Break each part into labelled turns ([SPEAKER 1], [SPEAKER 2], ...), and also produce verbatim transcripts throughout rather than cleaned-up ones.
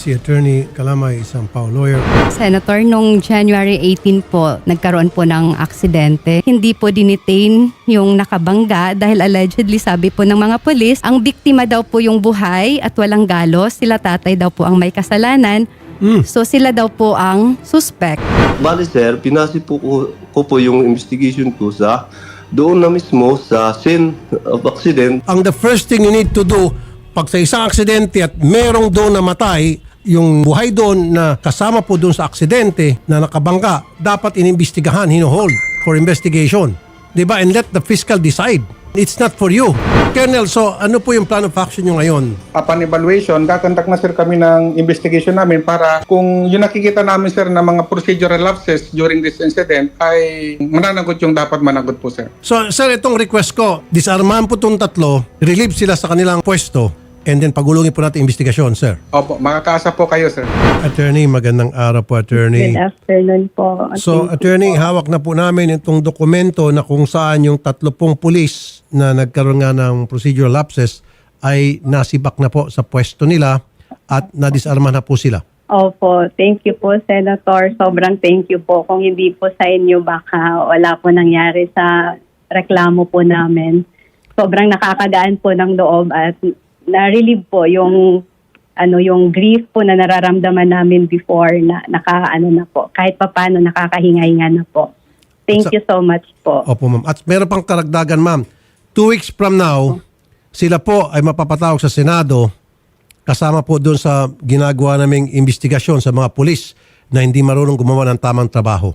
[SPEAKER 1] si Attorney Calamay, isang P A O lawyer.
[SPEAKER 2] Senator, nung January eighteen po, nagkaroon po ng aksidente. Hindi po dinitain yung nakabangga dahil allegedly sabi po ng mga polis, ang biktima daw po yung buhay at walang galos. Sila tatay daw po ang may kasalanan.
[SPEAKER 1] Mm.
[SPEAKER 2] So sila daw po ang suspect.
[SPEAKER 3] Bali sir, pinasi po ko, ko po yung investigation ko sa doon na mismo sa scene of accident.
[SPEAKER 1] Ang the first thing you need to do, pag sa isang aksidente at merong doon namatay, yung buhay doon na kasama po doon sa aksidente na nakabangga, dapat inimbestigahan, hinuhold for investigation. Diba? And let the fiscal decide. It's not for you. Colonel, so ano po yung plan of action nyo ngayon?
[SPEAKER 4] Upon evaluation, kakontak na sir kami ng investigation namin para kung yung nakikita namin sir na mga procedural lapses during this incident ay mananagot yung dapat managot po sir.
[SPEAKER 1] So, sir, itong request ko, disarmahan po itong tatlo, relieve sila sa kanilang pwesto, and then pagulungin po natin investigasyon, sir.
[SPEAKER 4] Opo, makakaasa po kayo sir.
[SPEAKER 1] Attorney, magandang araw po, Attorney.
[SPEAKER 5] Good afternoon po.
[SPEAKER 1] So, Attorney, hawak na po namin itong dokumento na kung saan yung tatlo pong pulis na nagkaroon nga ng procedural lapses ay nasibak na po sa pwesto nila at nadisarma na po sila.
[SPEAKER 5] Opo, thank you po, Senator. Sobrang thank you po. Kung hindi po sa inyo, baka wala po nangyari sa reklamo po namin. Sobrang nakakagaan po ng loob at na-relieve po yung ano yung grief po na nararamdaman namin before na nakaano na po. Kahit papaano nakakahinga-hinga na po. Thank
[SPEAKER 1] Sa-
[SPEAKER 5] you so much po.
[SPEAKER 1] Opo, ma'am. At meron pang karagdagan, ma'am. Two weeks from now, sila po ay mapapatawag sa Senado kasama po doon sa ginagawa naming investigasyon sa mga pulis na hindi marunong gumawa ng tamang trabaho.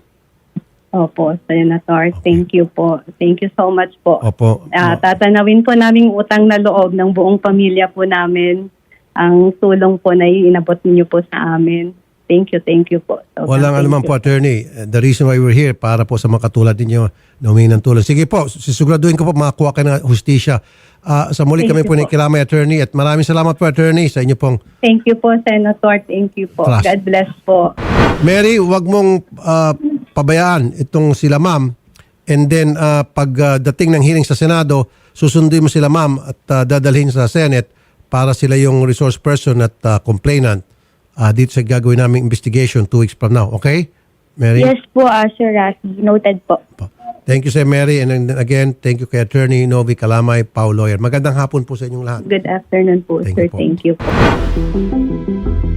[SPEAKER 5] Opo, Senator. Thank you po. Thank you so much po.
[SPEAKER 1] Opo.
[SPEAKER 5] Ah, tatanawin po namin utang na loob ng buong pamilya po namin. Ang tulong po na inabot niyo po sa amin. Thank you, thank you po. So,
[SPEAKER 1] Walang
[SPEAKER 5] thank
[SPEAKER 1] anuman
[SPEAKER 5] you.
[SPEAKER 1] po, Attorney. The reason why we're here, para po sa mga katulad ninyo na humingi ng tulong. Sige po, sisiguraduhin ko po makakuha kayo ng hustisya. Ah, sa muli
[SPEAKER 5] Thank
[SPEAKER 1] kami
[SPEAKER 5] you
[SPEAKER 1] po
[SPEAKER 5] po.
[SPEAKER 1] ni Kilamay, Attorney, at maraming salamat po, Attorney, sa inyo pong
[SPEAKER 5] Thank you po, Senator. Thank you po.
[SPEAKER 1] Trust.
[SPEAKER 5] God bless po.
[SPEAKER 1] Mary, wag mong ah, pabayaan itong sila ma'am. And then, ah, pag ah, dating ng hearing sa Senado, susunduin mo sila ma'am at ah, dadalhin sa Senate para sila yung resource person at ah, complainant ah, dito sa gagawin naming investigation two weeks from now. Okay? Mary?
[SPEAKER 6] Yes po, uh, Sir Rafi. Noted po.
[SPEAKER 1] Thank you, Sir Mary. And then again, thank you kay Attorney Novi Calamay, P A O lawyer. Magandang hapon po sa inyong lahat.
[SPEAKER 5] Good afternoon po,
[SPEAKER 1] Thank
[SPEAKER 5] sir.
[SPEAKER 1] you po.
[SPEAKER 5] Thank you po.